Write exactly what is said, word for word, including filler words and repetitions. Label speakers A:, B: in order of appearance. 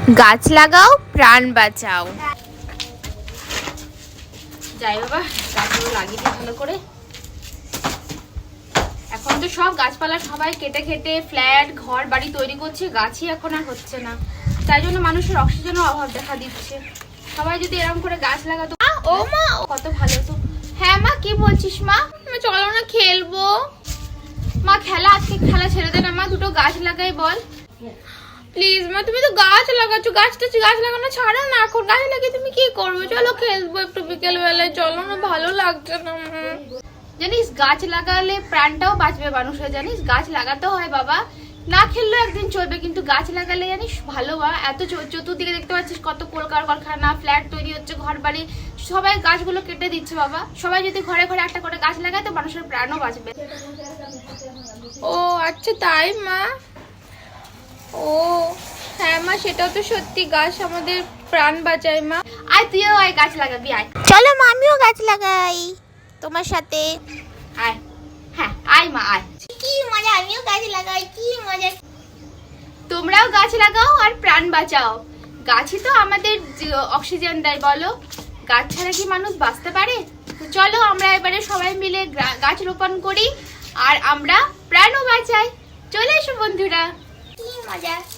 A: গাছ লাগাও, প্রাণ বাঁচাও। যাই বাবা, গাছগুলো লাগিয়ে দিই ভালো করে। এখন তো সব গাছপালা সবাই কেটে কেটে ফ্ল্যাট ঘর বাড়ি তৈরি করছে, গাছই এখন আর হচ্ছে না। তাই জন্য মানুষের অক্সিজেনের অভাব দেখা দিচ্ছে। সবাই যদি এরকম করে গাছ লাগাতো। ও মা, কত ভালো তো। হ্যাঁ মা, কি বলছিস মা? চলো না খেলবো। মা খেলা, আজকে খেলা ছেড়ে দে না মা, দুটো গাছ লাগাই বল। প্লিজ মা, তুমি তো গাছ লাগাচ্ছ, গাছটা গাছ লাগানো ছাড়ো না, এখন গাছ লাগিয়ে তুমি কি করবে? চলো খেলবো একটু বিকেল বেলায়, চলো না, ভালো লাগছে না। জানিস গাছ লাগালে প্রাণটাও বাঁচবে মানুষের, জানিস গাছ লাগাতে হয় বাবা। না খেললেও একদিন চলবে, কিন্তু গাছ লাগালে জানিস ভালো। বা এত চতুর্দিকে দেখতে পাচ্ছিস কত কলকারখানা, ফ্ল্যাট তৈরি হচ্ছে, ঘর বাড়ি, সবাই গাছগুলো কেটে দিচ্ছে বাবা। সবাই যদি ঘরে ঘরে একটা করে গাছ লাগায় তো মানুষের প্রাণও বাঁচবে। ও আচ্ছা তাই মা। ও হ্যাঁ মা, সেটাও তো সত্যি, গাছ আমাদের প্রাণ বাঁচায় মা। আয় তুইও আয়, গাছ লাগাবি আয়।
B: চলো মা, আমিও গাছ লাগাই তোমার সাথে।
A: আয়, হ্যাঁ আয় মা আয়।
B: কি মজা, আমিও গাছ লাগাই, কি মজা।
A: তোমরাও গাছ লাগাও আর প্রাণ বাঁচাও। গাছই তো আমাদের অক্সিজেন দেয় বলো, গাছ ছাড়া কি মানুষ বাঁচতে পারে? তো চলো আমরা এবারে সবাই মিলে গাছ রোপণ করি আর আমরা প্রাণও বাঁচাই। চলে এসো বন্ধুরা,
B: কি মজা।